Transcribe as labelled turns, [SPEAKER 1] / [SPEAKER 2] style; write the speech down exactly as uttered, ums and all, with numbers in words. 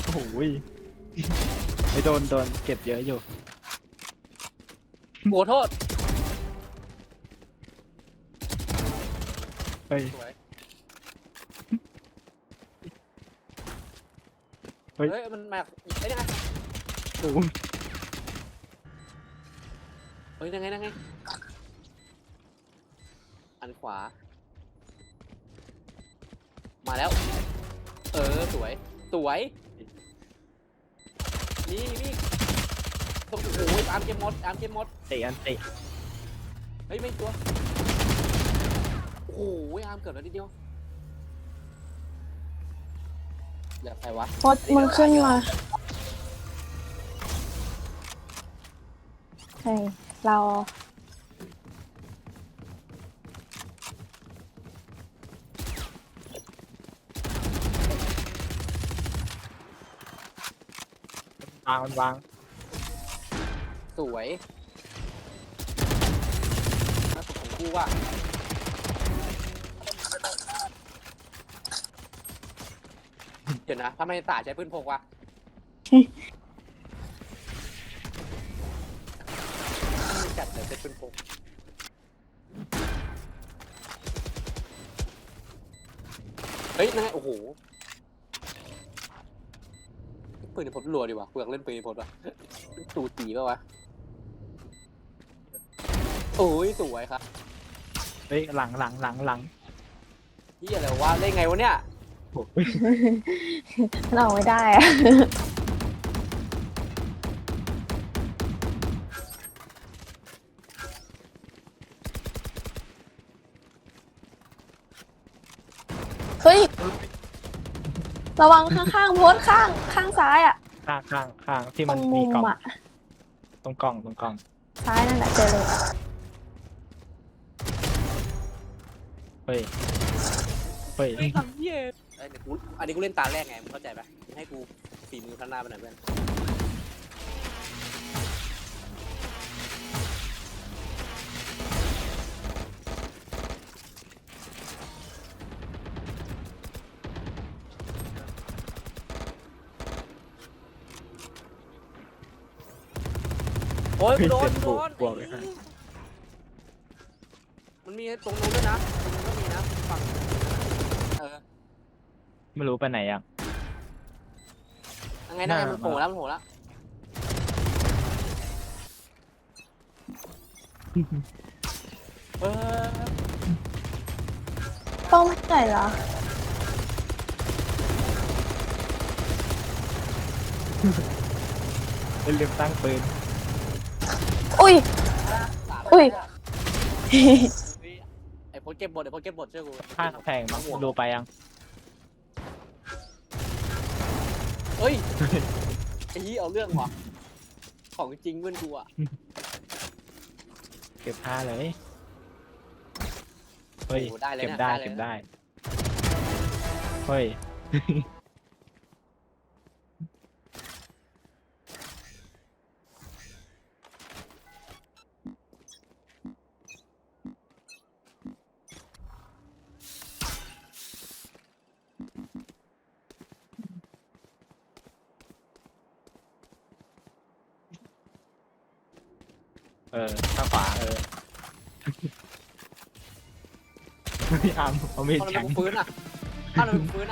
[SPEAKER 1] โอ้ยไม่โดนโดนเก็บเยอะอยู่
[SPEAKER 2] โอ้โทษ
[SPEAKER 1] เฮ้ย
[SPEAKER 2] สวย
[SPEAKER 1] เฮ้ย
[SPEAKER 2] เฮ้ยมันมาไอ้นี่ไง
[SPEAKER 1] โอ้ย
[SPEAKER 2] เฮ้ยยังไงยังไงอันขวามาแล้วเออสวยสวยนี่นี่โอ้โหตามเกมมดตามเกมมด
[SPEAKER 1] เตะอันเตะ
[SPEAKER 2] เฮ้ยไม่ตัวโอ้โหอาร์มเกิดแล้วนิดเดียวอยากใครวะ
[SPEAKER 3] พดมึงขึ้นมาเฮ้ยเรา
[SPEAKER 1] วางมันวาง
[SPEAKER 2] สวยน่าสุดของกูว่ะเดี๋ยวนะทำไมตาใช้ปืนพกวะจัดเลยเป็นปืนพกเฮ้ยนั่นไงโอ้โหปืนในพดรัวดีว่ะเปลือกเล่นปืนในพดว่ะตูตีป่ะวะโอ้ยสวยครับ
[SPEAKER 1] เฮ้ยหลังหลังหลังหลัง
[SPEAKER 2] ที่อะไรวะเล่นไงวะเนี่ย
[SPEAKER 1] โอ้ย
[SPEAKER 3] เราไม่ได้อะเฮ้ยระวังข้างๆโพสข้างข้างซ้ายอ่ะ
[SPEAKER 1] ข้างข้างข้างที่
[SPEAKER 3] ต
[SPEAKER 1] มั
[SPEAKER 3] ร
[SPEAKER 1] น
[SPEAKER 3] ง
[SPEAKER 1] มี
[SPEAKER 3] มุม
[SPEAKER 1] กล่อง
[SPEAKER 3] อ่ะ
[SPEAKER 1] ตรงกล่องตรงกล่อง
[SPEAKER 3] ซ้ายนั่นแหละเจอเลย
[SPEAKER 1] เฮ้ยเฮ้ย
[SPEAKER 2] เฮ้ยทำเหี้ยเอ้ยเดี๋ยวกูอันนี้กูเล่นตาแรกไงมึงเข้าใจปะให้กูฝีมือพัฒนาไปหน่อยเพื่อนโอ้ยกูโดนกูโดน
[SPEAKER 1] บวกเลยฮะ
[SPEAKER 2] มันมีตรงนู้นด้วยนะตรงนู้นก็มีนะฝั่งเออ
[SPEAKER 1] ไม่รู้ไปไหนยัง
[SPEAKER 2] ยังไงนะ
[SPEAKER 1] หน้า
[SPEAKER 2] มันโผล่แล้วมันโผล่แล้วเออ
[SPEAKER 3] ต้องไม่ไหนเหรอ
[SPEAKER 1] ไม่ลืมตั้งปืน
[SPEAKER 3] อุ้ย อุ้ย
[SPEAKER 2] ไอ้โพสเก็บบทไอ้โพสเก็บบทเชื่อกู
[SPEAKER 1] ข้างกำแพงมั้งดูไปยัง
[SPEAKER 2] เฮ้ยไอ้ยี่เอาเรื่องว่ะของจริงเพื่อนกูอ่ะ
[SPEAKER 1] เก็บผ้าเลยเฮ้ย
[SPEAKER 2] โอ้ได้เลย
[SPEAKER 1] เก็บ
[SPEAKER 2] นะ
[SPEAKER 1] ได้
[SPEAKER 2] เลย
[SPEAKER 1] เก็บ
[SPEAKER 2] นะ
[SPEAKER 1] ได้เฮ้ย เออข้างขวาเออ ไม่เอาเอามีด
[SPEAKER 2] เอาทำไม
[SPEAKER 1] แข็ง
[SPEAKER 2] กูฟื้นอ่ะเอาทำไมกูฟื้น